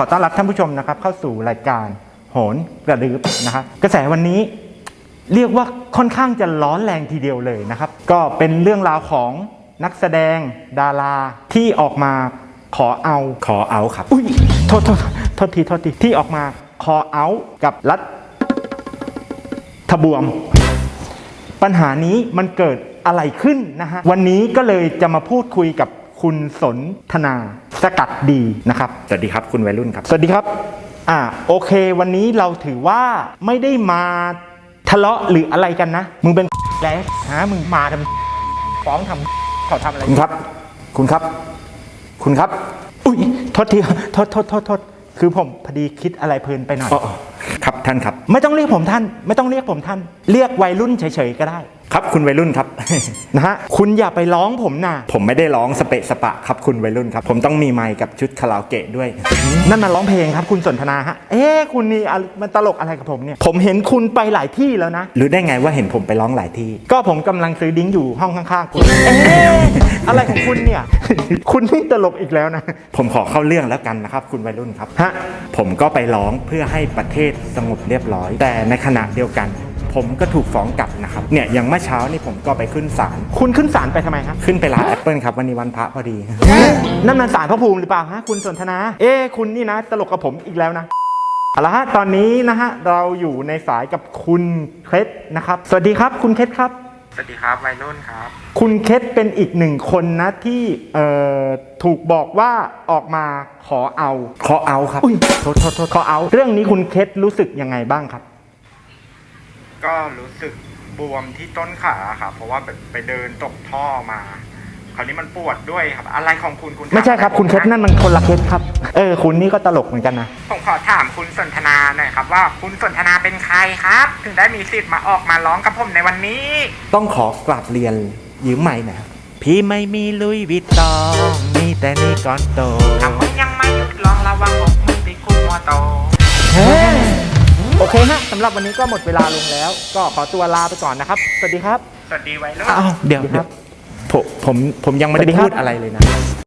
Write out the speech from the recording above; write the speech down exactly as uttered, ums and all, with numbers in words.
อต้อนรับท่านผู้ชมนะครับเข้าสู่รายการโหนกระดืบนะครับกระแสวันนี้เรียกว่าค่อนข้างจะร้อนแรงทีเดียวเลยนะครับก็เป็นเรื่องราวของนักแสดงดาราที่ออกมาขอเอาขอเอาครับอุ้ยโทษโทษโทษทีโทษทีที่ออกมาขอเอากับรัฐทบวมปัญหานี้มันเกิดอะไรขึ้นนะฮะวันนี้ก็เลยจะมาพูดคุยกับคุณสนธนาสกัดดีนะครับสวัสดีครับคุณวัยรุ่นครับสวัสดีครับอ่าโอเควันนี้เราถือว่าไม่ได้มาทะเลาะหรืออะไรกันนะมึงเป็นแล้วฮะมึงมาทำฟ้องทำเขาทำอะไรคุณครับคุณครับคุณครับอุ้ยโทษทีโทษโทษโทษโทษคือผมพอดีคิดอะไรเพลินไปหน่อยครับท่านครับไม่ต้องเรียกผมท่านไม่ต้องเรียกผมท่านเรียกวัยรุ่นเฉยๆก็ได้ครับคุณวัยรุ่นครับนะฮะคุณอย่าไปร้องผมนะผมไม่ได้ร้องสเปะสปะครับคุณวัยรุ่นครับผมต้องมีไมค์กับชุดคาราโอเกะด้วยนั่นมันร้องเพลงครับคุณสนทนาฮะเอ๊ะคุณนี่มันตลกอะไรกับผมเนี่ยผมเห็นคุณไปหลายที่แล้วนะหรือได้ไงว่าเห็นผมไปร้องหลายที่ก็ผมกำลังซื้อดิ้งอยู่ห้องข้างๆคุณเอ๊ะอะไรของคุณเนี่ยคุณนี่ตลกอีกแล้วนะผมขอเข้าเรื่องแล้วกันนะครับคุณวัยรุ่นครับฮะผมก็ไปร้องเพื่อให้ประเทศสงบเรียบร้อยแต่ในขณะเดียวกันผมก็ถูกฟ้องกลับนะครับเนี่ยอย่างเมื่อเช้านี่ผมก็ไปขึ้นศาลคุณขึ้นศาลไปทำไมครับขึ้นไปร้านแอปเปิลครับวันนี้วันพระพอดีนั่นมันศาลพระภูมิหรือเปล่าฮะคุณสนทนาเอ๊คุณนี่นะตลกกับผมอีกแล้วนะเอาละฮะตอนนี้นะฮะเราอยู่ในสายกับคุณเคล็ดนะครับสวัสดีครับคุณเคล็ดครับสวัสดีครับวัยรุ่นครับคุณเคล็ดเป็นอีกหนึ่งคนนะที่เอ่อถูกบอกว่าออกมาขอเอาขอเอาครับอุ้ยโทษโทษโทษขอเอาเรื่องนี้คุณเคล็ดรู้สึกยังไงบ้างครับก็รู้สึกบวมที่ต้นขาครับเพราะว่าไปเดินตกท่อมาคราวนี้มันปวดด้วยครับอะไรของคุณคุณไม่ใช่ครับคุณเคสนั่นมันคนละเคสครับเออคุณนี่ก็ตลกเหมือนกันนะผมขอถามคุณสนทนาหน่อยครับว่าคุณสนทนาเป็นใครครับถึงได้มีสิทธิ์มาออกมาร้องกับผมในวันนี้ต้องขอกราบเรียนยืมไมค์นะครับพี่ไม่มีลุยวิตตองมีแต่นี่ก่อนโตถ้ามึงยังไม่หยุดร้องระวังอกมึงติดคุกมัวโตโอเคฮะสำหรับวันนี้ก็หมดเวลาลงแล้วก็ขอตัวลาไปก่อนนะครับสวัสดีครับสวัสดีวัยรุ่นอ้าวเดี๋ยวครับผมผมผมยังไม่ได้พูดอะไรเลยนะ